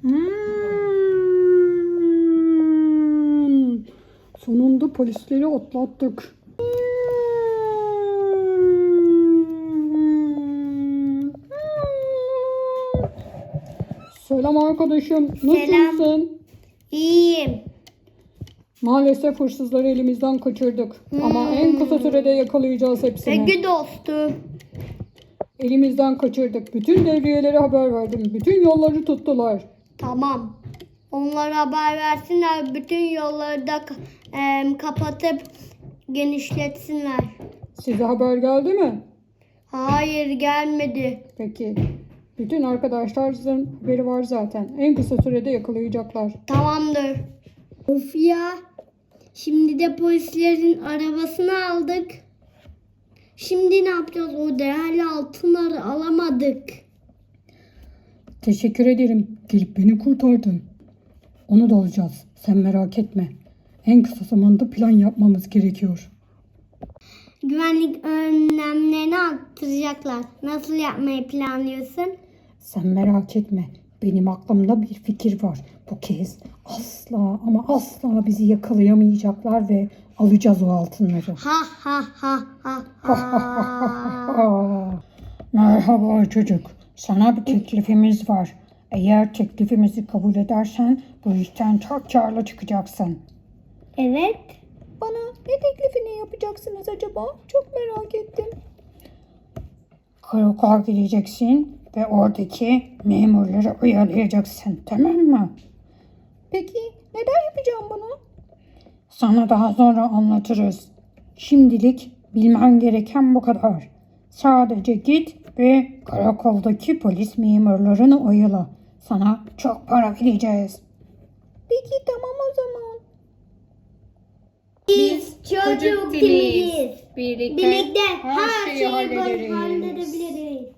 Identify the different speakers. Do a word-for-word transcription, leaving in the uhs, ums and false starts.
Speaker 1: Hmm. Sonunda polisleri atlattık. Selam arkadaşım. Nasılsın?
Speaker 2: Selam. İyiyim.
Speaker 1: Maalesef hırsızları elimizden kaçırdık. Ama en kısa sürede yakalayacağız hepsini.
Speaker 2: Peki dostum.
Speaker 1: Elimizden kaçırdık. Bütün devriyelere haber verdim. Bütün yolları tuttular.
Speaker 2: Tamam. Onlara haber versinler. Bütün yolları da ka- e, kapatıp genişletsinler.
Speaker 1: Size haber geldi mi?
Speaker 2: Hayır, gelmedi.
Speaker 1: Peki. Bütün arkadaşlarınızın haberi var zaten. En kısa sürede yakalayacaklar.
Speaker 2: Tamamdır. Of ya. Şimdi de polislerin arabasını aldık. Şimdi ne yapacağız? O değerli altınları alamadık.
Speaker 1: Teşekkür ederim. Gelip beni kurtardın. Onu da alacağız. Sen merak etme. En kısa zamanda plan yapmamız gerekiyor.
Speaker 2: Güvenlik önlemlerini arttıracaklar. Nasıl yapmayı planlıyorsun?
Speaker 1: Sen merak etme. Benim aklımda bir fikir var. Bu kez asla ama asla bizi yakalayamayacaklar ve alacağız o altınları.
Speaker 2: Ha ha ha ha ha.
Speaker 1: Aa, merhaba çocuk. Sana bir teklifimiz var. Eğer teklifimizi kabul edersen bu işten çok karlı çıkacaksın.
Speaker 2: Evet.
Speaker 1: Bana ne teklifini yapacaksınız acaba? Çok merak ettim. Karakola gideceksin ve oradaki memurları uyarlayacaksın. Tamam mı? Peki neden yapacağım bunu? Sana daha sonra anlatırız. Şimdilik bilmen gereken bu kadar. Sadece git ve karakoldaki polis memurlarını oyala. Sana çok para vereceğiz. Peki tamam o zaman.
Speaker 2: Biz çocuk timiz.
Speaker 1: Birlikte,
Speaker 2: Birlikte her şeyi halledebiliriz.